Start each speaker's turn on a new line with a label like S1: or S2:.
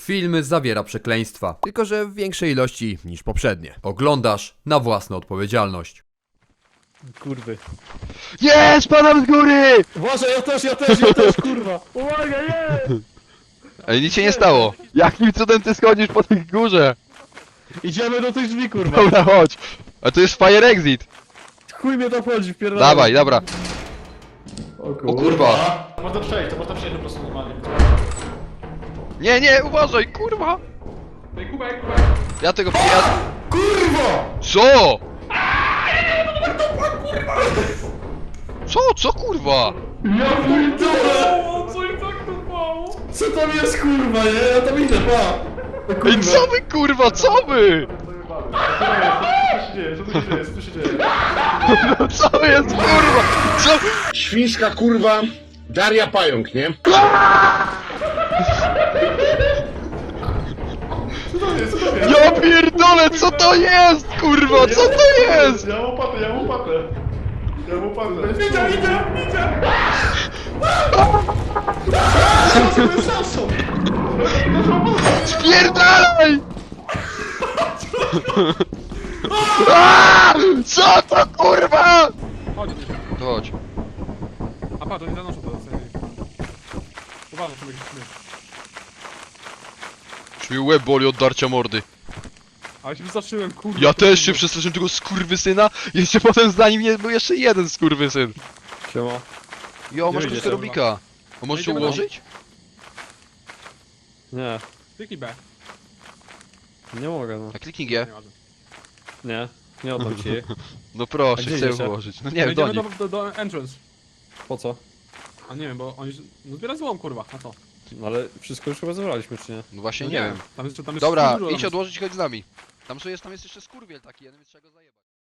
S1: Film zawiera przekleństwa, tylko że w większej ilości niż poprzednie. Oglądasz na własną odpowiedzialność.
S2: Kurwy.
S3: Nie, spadam z góry!
S2: Uważaj, ja też, kurwa! Uwaga, nie!
S3: Ale nic się nie stało. Jakim cudem ty schodzisz po tej górze?
S2: Idziemy do tych drzwi, kurwa!
S3: Dobra, chodź. A to jest fire exit.
S2: Chuj mnie to wchodzi, wpierdolę.
S3: Dawaj, dobra.
S2: O
S3: O kurwa.
S4: To można przejść po prostu normalnie.
S3: Nie, nie, uważaj, kurwa.
S4: Ej, kubek!
S3: Ja tego
S4: Kurwa!
S3: Co? Co kurwa?
S4: Ja pierdolę! Co i tak to mało?
S2: Co tam jest, kurwa, nie? Ja tam idę, pa!
S3: Ej, co wy kurwa, co wy?
S4: Co tu się dzieje? Co tu się dzieje?
S3: Co jest kurwa? Co?
S5: Świńska kurwa Daria Pająk, nie?
S4: Co to jest?
S3: Ja pierdolę, co to jest kurwa, co to jest?
S4: Ja mam łopatę! Ja mam łopatę! Widzę!
S3: Spierdalaj! Aaaa! Co to kurwa?
S4: Chodź.
S3: Chodź.
S4: A patrz, oni zanoszą to. Uważaj, to będzie śmiech.
S3: Już mi łeb boli od darcia mordy.
S4: Ale się wystraszyłem, kurde.
S3: Ja też się przestraszyłem tego skurwysyna. Jeszcze potem za nim był jeszcze jeden skurwysyn.
S2: Siema.
S3: Jo, masz
S2: Gdzie
S3: kostkę
S2: idziesz?
S3: Rubika. A możesz się
S4: Idziemy
S3: ułożyć?
S2: Nie,
S4: Kliknij B.
S2: nie mogę, no.
S3: A kliknij G.
S4: Nieważne.
S2: Nie oddam ci jej.
S3: No
S2: A
S3: proszę,
S2: gdzie
S3: chcę
S2: idziecie?
S3: ułożyć. No nie wiem, do
S4: Idziemy
S3: nich.
S4: do entrance.
S2: Po co?
S4: A nie wiem, bo oni... No zbiera złom, kurwa, a co?
S2: No ale wszystko już chyba zebraliśmy, czy nie?
S3: No właśnie
S4: No
S3: nie wiem.
S4: Tam jest
S3: Dobra,
S4: dużo,
S3: idź
S4: tam
S3: odłożyć, chodź z nami. Tam jest jeszcze skurwiel taki, jeden, więc trzeba go zajebać.